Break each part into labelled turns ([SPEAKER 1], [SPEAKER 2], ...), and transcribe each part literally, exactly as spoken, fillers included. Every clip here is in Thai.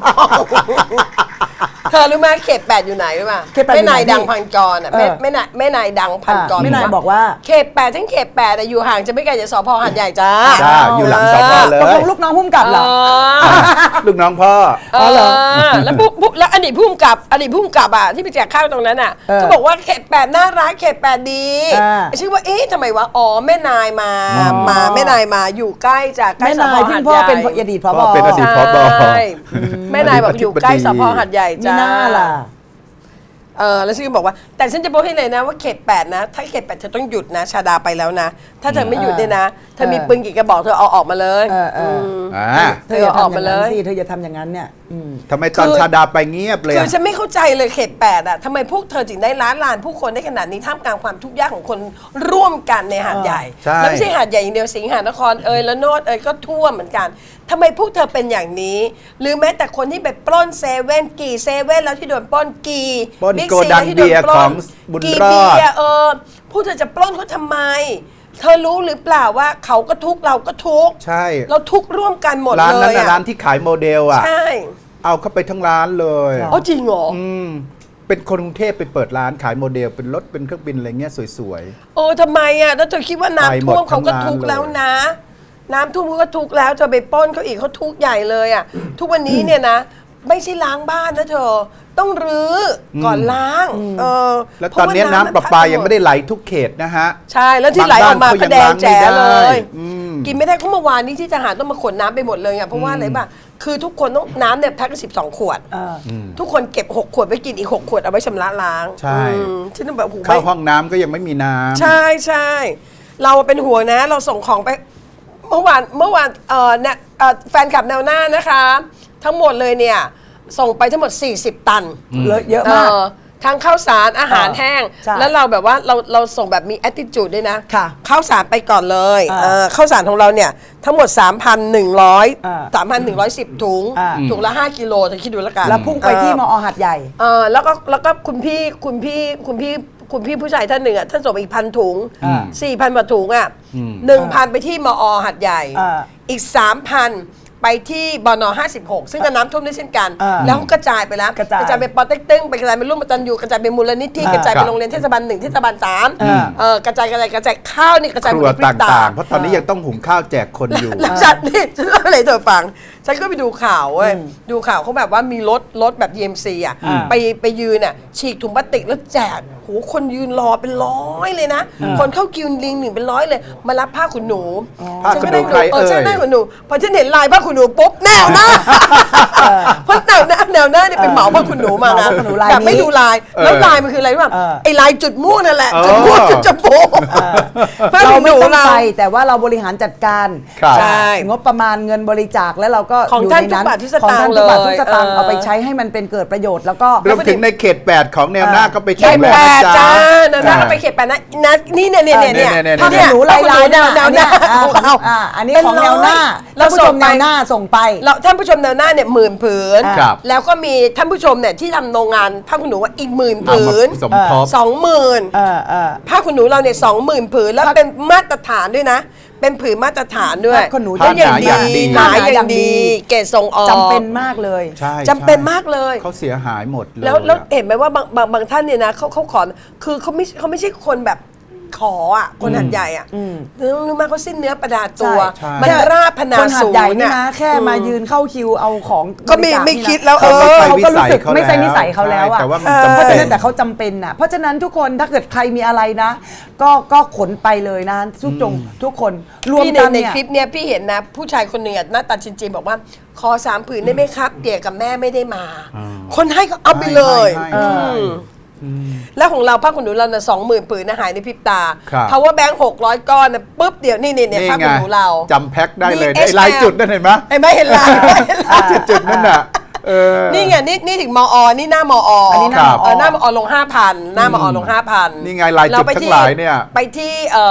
[SPEAKER 1] เธอรู้ไหมเขตแปดอยู่ไหนรู้ป่ะแม่นายดังพันกรอ่ะแม่แม่นายแม่นายดังพันกร
[SPEAKER 2] แม่นายบอกว่า
[SPEAKER 1] เขตแปดทั้งเขตแปดอยู่ห่างจะไม่ไกลจากสพหาดใหญ่จ้า
[SPEAKER 3] จ้าอยู่หลังสพเลย
[SPEAKER 2] ตกลงลูกน้องพุ่มกับเหรอ
[SPEAKER 3] ลูกน้องพ่อ
[SPEAKER 1] อ๋อเหรอแล้วปุ๊บแล้วอดีตพุ่มกับอดีตพุ่มกับอ่ะที่ไปแจกข้าวตรงนั้นอ่ะเขาบอกว่าเขตแปดน่ารักเขตแปดดีชื่อว่าเอ๊ะทำไมวะอ๋อแม่นายมามาแม่นายมาอยู่ใกล้จากใกล้สพหาดใหญ่
[SPEAKER 2] พ่อเป็นอดีตผบ
[SPEAKER 3] เป็นอดีตผบ
[SPEAKER 1] แม่นายบอกอยู่ใกล้สพหาดใหญ่จ้า
[SPEAKER 2] ล่ะ
[SPEAKER 1] เออแล้วชื่อบอกว่าแต่ฉันจะบอกให้เลยนะว่าเขตแปดนะถ้าเขตแปดเธอต้องหยุดนะชาดาไปแล้วนะถ้าเธอไม่หยุดเนี่ยนะเธอมีปืนกี่กระบอกเธอเอาออกมาเลย
[SPEAKER 2] เธอเอาออกมาเลยสิเธอจะทำอย่างนั้นเนี่ย
[SPEAKER 3] ทำไมตอนชาดาไปเงียบเลย
[SPEAKER 1] คือฉันไม่เข้าใจเลยเขตแปดอ่ะทำไมพวกเธอถึงได้ล้านลานผู้คนได้ขนาดนี้ท่ามกลางความทุกข์ยากของคนร่วมกันในหาดใหญ่แล้วไม่ใช่หาดใหญ่อย่างเดียวสิงหานครเอยและโนดเอยก็ท่วมเหมือนกันทำไมพวกเธอเป็นอย่างนี้หรือแม้แต่คนที่ไปปล้นเซเว่นกี่เซเว่นแล้วที่โดนปล้นกี่
[SPEAKER 3] บิ๊กซีที่โดนปล้น
[SPEAKER 1] กี่เบียร์เออพวกเธอจะปล้นเขาทำไมเธอรู้หรือเปล่าว่าเขาก็ทุกเราก็ทุก
[SPEAKER 3] ใช่
[SPEAKER 1] เราทุกร่วมกันหมดเลย
[SPEAKER 3] ร้านนั้นร้านที่ขายโมเดลอ่ะ
[SPEAKER 1] ใช่
[SPEAKER 3] เอาเข้าไปทั้งร้านเลย
[SPEAKER 1] อ๋อจริงเหรอ
[SPEAKER 3] อืมเป็นคนกรุงเทพไปเปิดร้านขายโมเดลเป็นรถเป็นเครื่องบินอะไรเงี้ยสวย
[SPEAKER 1] ๆโอ้ทำไมอ่ะแล้วเธอคิดว่าน้ำท่วมเขาก็ทุกแล้วนะน้ำท่วมเขาก็ทุกแล้วเธอไปปล้นเขาอีกเขาทุกใหญ่เลยอ่ะทุกวันนี้เนี่ยนะไม่ใช่ล้างบ้านนะเธอต้องรื้อก่อนล้างเออ
[SPEAKER 3] แล้วตอนนี้น้ำประปายังไม่ได้ไหลทุกเขตนะฮะ
[SPEAKER 1] ใช่แล้วที่ไหลออกมาก็แดงแจ๋เลยกินไม่ได้ก็เมื่อวานนี้ที่ทหารต้องมาขนน้ำไปหมดเลยอ่ะเพราะว่าอะไรป่ะคือทุกคนต้องน้ำเนี่ยแพ็คสิบสองขวดทุกคนเก็บหกขวดไว้กินอีกหกขวดเอาไว้ชำระล้าง
[SPEAKER 3] ใช่
[SPEAKER 1] ฉันแบบ
[SPEAKER 3] เข้าห้องน้ำก็ยังไม่มีน้ำ
[SPEAKER 1] ใช่ใช่เราเป็นห่วงนะเราส่งของไปเมื่อวานเมื่อวานเอ่อเนี่ยแฟนคลับแนวหน้านะคะทั้งหมดเลยเนี่ยส่งไปทั้งหมดสี่สิบตัน
[SPEAKER 2] เยอะมาก
[SPEAKER 1] ทั้งข้าวสารอาหารแห้งแล้วเราแบบว่าเราเราส่งแบบมี attitude ด้วยนะข้าวสารไปก่อนเลยข้าวสารของเราเนี่ยทั้งหมด สามพันหนึ่งร้อย สามพันหนึ่งร้อยสิบ ถุงถุงละห้ากิโลเธอคิดดูแล้วกัน
[SPEAKER 2] แล้วพุ่งไปที่มอหาดใหญ่
[SPEAKER 1] เออแล้วก็แล้วก็คุณพี่คุณพี่คุณพี่คุณพี่ผู้ชายท่านหนึ่งอ่ะท่านส่งไปอีกพันถุงสี่พันกว่าถุงอ่ะหนึ่งพันไปที่มอหาดใหญ่อีกสามพันไปที่บน.ห้าสิบหกซึ่งก็น้ำท่วมด้วยเช่นกันแล้วกระจายไปแล้วกระจายไปปอเต็กตึ้งไปกระจายไปร่วมตันยูกระจายไปมูลนิธิกระจายไปโรงเรียนเทศบาลหนึ่งเทศบาลสามกระจายกระจายกระจายข้าวนี่กระจายไป
[SPEAKER 3] ต่างๆเพราะตอนนี้ยังต้องหุงข้าวแจกคนอยู่
[SPEAKER 1] แล้วฉันนี่ฉันเล่าอะไรเธอฟังฉันก็ไปดูข่าวเว้ยดูข่าวเขาแบบว่ามีรถรถแบบ อี เอ็ม ซี อ่ะไปไปยืนอ่ะฉีกถุงพลาสติกแล้วแจกโหคนยืนรอเป็นร้อยเลยนะคนเข้าคิวลิงหนึ่งเป็นร้อยเลยมารับผ้าขนหนู
[SPEAKER 3] ผ้าขนหนูใครเอ่ย
[SPEAKER 1] ใช่ผ้าขนหนูพอฉันเห็นลายผ้าขนหนูปุ๊บแนวหน้าเพราะแนวหน้าแนวหน้าเนี่ยเป็นเหมาผ้าขนหนูมานะแต่ไม่ดูลายแล้วลายมันคืออะไรรู้ป่ะไอ้ลายจุดม่วงนั่นแหละจุดม่วงจุดจมูก
[SPEAKER 2] เราไม่ต้องไปแต่ว่าเราบริหารจัดการ
[SPEAKER 1] ใช่
[SPEAKER 2] งบประมาณเงินบริจาคแล้วเราก็
[SPEAKER 1] ของท่านทุกบาททุกสตางค์เลย
[SPEAKER 2] สตางค์เอาไปใช้ให้มันเป็นเกิดประโยชน์แล้วก็
[SPEAKER 3] รวมถึงในเขตแปดของแนวหน้าก็ไป
[SPEAKER 1] เขตแปดจ้าแนวหน้าก็ไปเขตแปดนะนะนี่เนี่ยเนี่ยเนี่ย
[SPEAKER 2] ถ้าเป็นหนูลายลายแนวแนวหน้าของเราอันนี้ของแนวหน้าเราส่งแนวหน้าส่งไป
[SPEAKER 1] เราท่านผู้ชมแนวหน้าเนี่ยหมื่นผืนแล้วก็มีท่านผู้ชมเนี่ยที่ทำโรงงานผ้าขนหนูว่าอีกหมื่นผืนสองหมื่นผ้าขนหนูเราเนี่ยสองหมื่นผืนแล้วเป็นมาตรฐานด้วยนะเป็นผืนมาตรฐานด้วย
[SPEAKER 2] ก็
[SPEAKER 1] อย่างดีหนาอย่างดีเกรดส่งออก
[SPEAKER 2] จำเป็นมากเลย
[SPEAKER 1] จำเป็นมากเลย
[SPEAKER 3] เขาเสียหายหมดเลย
[SPEAKER 1] แล้วแล้วเห็นไหมว่าบางบางบางท่านเนี่ยนะเขาเขาขอคือเขาไม่เขาไม่ใช่คนแบบขออ่ะคนหัดใหญ่อ่ะรู้มากเขาสิ้นเนื้อประดาตัวมันราบพนาสูง
[SPEAKER 2] นะแค่มายืนเข้าคิวเอาของ
[SPEAKER 1] ก็ไม่ไม่คิดแล้วเออ
[SPEAKER 2] เขาก็รู้สึกไม่ใช่นิสัยเขาแล้วอ่ะเพราะฉะนั้นแต่เขาจำเป็นอ่ะเพราะฉะนั้นทุกคนถ้าเกิดใครมีอะไรนะก็ก็ขนไปเลยนะทุกจงทุกคน
[SPEAKER 1] รวมกันในคลิปเนี้ยพี่เห็นนะผู้ชายคนหนึ่งหน้าตาจริงๆบอกว่าขอสามผืนได้ไหมครับเตี่ยกับแม่ไม่ได้มาคนให้ก็เอาไปเลยแล้วของเราผ้าขนหนูเราเนี่ยสองหมื่นผืนนะหายในพริบตาเพราะว่าแบงค์หกร้อยก้อนนะปุ๊บเดี๋ยวนี่นี่เนี่ยผ้าขนหนูเรา
[SPEAKER 3] จำแพ็คได้เลยไอ้ลายจุดนั่นเห็นไหม
[SPEAKER 1] ไอ้ไม่เห็นลาย
[SPEAKER 3] จุดจุดนั่นน่ะ
[SPEAKER 1] นี่ไงนี่นี่ถึงมอนี่หน้ามออันนี้หน้ามอหน้ามอลงห้าพันหน้ามอลงห้าพัน
[SPEAKER 3] นี่ไงลายจุดทั้งหลายเนี่ย
[SPEAKER 1] ไปที่แถ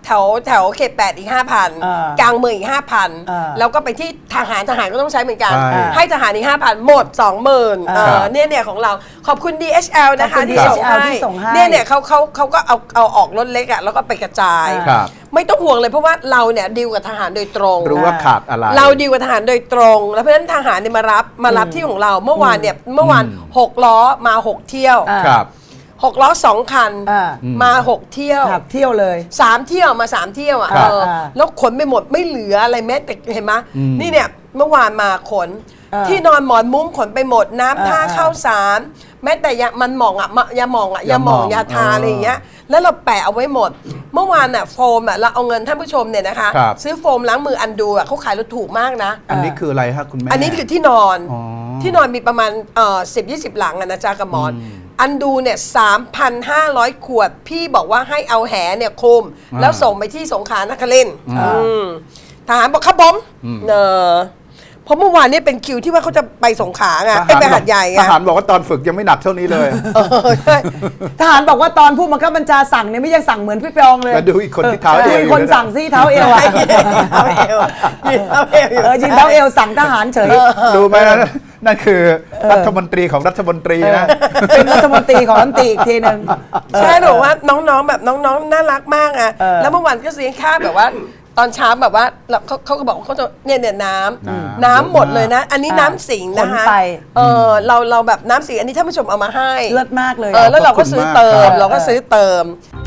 [SPEAKER 1] ถวแถวเขตแปดอีกห้าพัน
[SPEAKER 2] อ่าก
[SPEAKER 1] ลางเมืองอีกห้าพัน
[SPEAKER 2] อ่า
[SPEAKER 1] แล้วก็ไปที่ทหารทหารก็ต้องใช้เหมือนกัน
[SPEAKER 3] ใช่
[SPEAKER 1] ให้ทหารอีกห้าพันหมดสองหมื่น
[SPEAKER 2] อ่า
[SPEAKER 1] เนี่ยเนี่ยของเราขอบคุณ ดี เอช แอล นะคะ
[SPEAKER 2] ขอบคุณ
[SPEAKER 1] ที่ส่ง
[SPEAKER 2] ดี เอช แอล
[SPEAKER 1] ให้
[SPEAKER 2] ที่ส่งให้
[SPEAKER 1] เนี่ยเนี่ยเขาเขาเขาก็เอาเอาออกรถเล็กอ่ะแล้วก็ไปกระจาย
[SPEAKER 3] ครับ
[SPEAKER 1] ไม่ต้องห่วงเลยเพราะว่าเราเนี่ยดีลกับทหารโดยตรง
[SPEAKER 3] รู้ว่าขาดอะไร
[SPEAKER 1] เราดีลกับทหารโดยตรง แล้วเพราะฉะนั้นทหารเนี่ยมารับมารับที่ของเราเมื่อวานเนี่ยเมื่อวานหกล้อมาหกเที่ยว
[SPEAKER 2] อ่า
[SPEAKER 3] ครับ
[SPEAKER 1] หกล้อสองคัน
[SPEAKER 2] อ่า
[SPEAKER 1] มาหกเที่ยว
[SPEAKER 2] ขับเที่ยวเลย
[SPEAKER 1] สามเที่ยวมาสามเที่ยวอ่ะ
[SPEAKER 3] ครับ
[SPEAKER 1] เออ
[SPEAKER 2] อ่า
[SPEAKER 1] แล้วขนไปหมดไม่เหลืออะไรแม้แต่เห็นไหม
[SPEAKER 3] อืม
[SPEAKER 1] นี่เนี่ยเมื่อวานมาขน
[SPEAKER 2] อ่า
[SPEAKER 1] ที่นอนหมอนมุ้งขนไปหมดน้ำท่า
[SPEAKER 2] อ่า
[SPEAKER 1] ข้าวสารแม้แต่ยามันหมองอ่ะมะยาหมองอ่ะยาหมอง
[SPEAKER 3] ยาหม่อง
[SPEAKER 1] ยาทา
[SPEAKER 3] อ๋ออ
[SPEAKER 1] อะไรอย่างเงี้ยแล้วเราแปะเอาไว้หมด เมื่อวานอ่ะโฟมอ่ะเราเอาเงินท่านผู้ชมเนี่ยนะคะ
[SPEAKER 3] ครับ
[SPEAKER 1] ซื้อโฟมล้างมืออันดูอ่ะเขาขายรถถูกมากนะ
[SPEAKER 3] อันนี้คืออะไรฮะคุณแม่
[SPEAKER 1] อันนี้คือที่นอน
[SPEAKER 3] อ๋อ
[SPEAKER 1] ที่นอนมีประมาณเอ่อสิบยี่สิบหลังอะนะจ๊ะกับหมอน อันดูเนี่ยสามพันห้าร้อยขวด พี่บอกว่าให้เอาแหเนี่ยคลุม
[SPEAKER 3] อ่า
[SPEAKER 1] แล้วส่งไปที่สงขลานครินทร์
[SPEAKER 3] อ่า
[SPEAKER 1] อืมทหารบอกครับผมเออเพราะเมื่อวานเนี่ยเป็นคิวที่ว่าเขาจะไปสงขลาไง
[SPEAKER 3] ท
[SPEAKER 1] ไอ้
[SPEAKER 3] หาร
[SPEAKER 1] ไปหาดใหญ่ไง
[SPEAKER 3] ทหารบอกว่าตอนฝึกยังไม่หนักเท่านี้เลย
[SPEAKER 1] เออใช่
[SPEAKER 2] ทหารบอกว่าตอนผู้บังคับบัญชาสั่งเนี่ยไม่ยังสั่งเหมือนพี่ปองเลย
[SPEAKER 3] แล้วดูอีกคนที่เท้า
[SPEAKER 2] ดู
[SPEAKER 3] เอว
[SPEAKER 2] อีก
[SPEAKER 3] อยู่
[SPEAKER 2] คน
[SPEAKER 3] นั่นน่ะ
[SPEAKER 2] สั่งซี่เท้าเอวอะ
[SPEAKER 1] เอาเอวยืนเอาเอวอยู่
[SPEAKER 2] เออยิงเท้าเอวสั่งทหารเฉย
[SPEAKER 3] ดูไหมนะนั่นคือรัฐมนตรีของรัฐมนตรีนะ
[SPEAKER 2] เป็นรัฐมนตรีของรัฐมนตรีอีกทีหนึ่ง
[SPEAKER 1] ใช่หนูว่าน้องๆแบบน้องๆน่ารักมากอ่ะ
[SPEAKER 2] เออ
[SPEAKER 1] แล้วเมื่อวานก็เสียงค่าแบบว่า ตอนเช้าแบบว่าเราเขาเขาก็บอกว่าเขาจะเนี่ยเนี่ยน้ำ
[SPEAKER 3] น้ำ
[SPEAKER 1] น้ำหมดเลยนะ อันนี้
[SPEAKER 2] อ่า
[SPEAKER 1] น้ำสิงห์นะคะ
[SPEAKER 2] ขนไป
[SPEAKER 1] เออเราเราแบบน้ำสิงห์อันนี้ท่านผู้ชมเอามาให้
[SPEAKER 2] เลิศมากเลย
[SPEAKER 1] เออแล้วเราก็ซื้อเติ
[SPEAKER 3] ขอบคุณมากครั
[SPEAKER 1] ม
[SPEAKER 3] บ
[SPEAKER 1] เราก็ซื้อเติม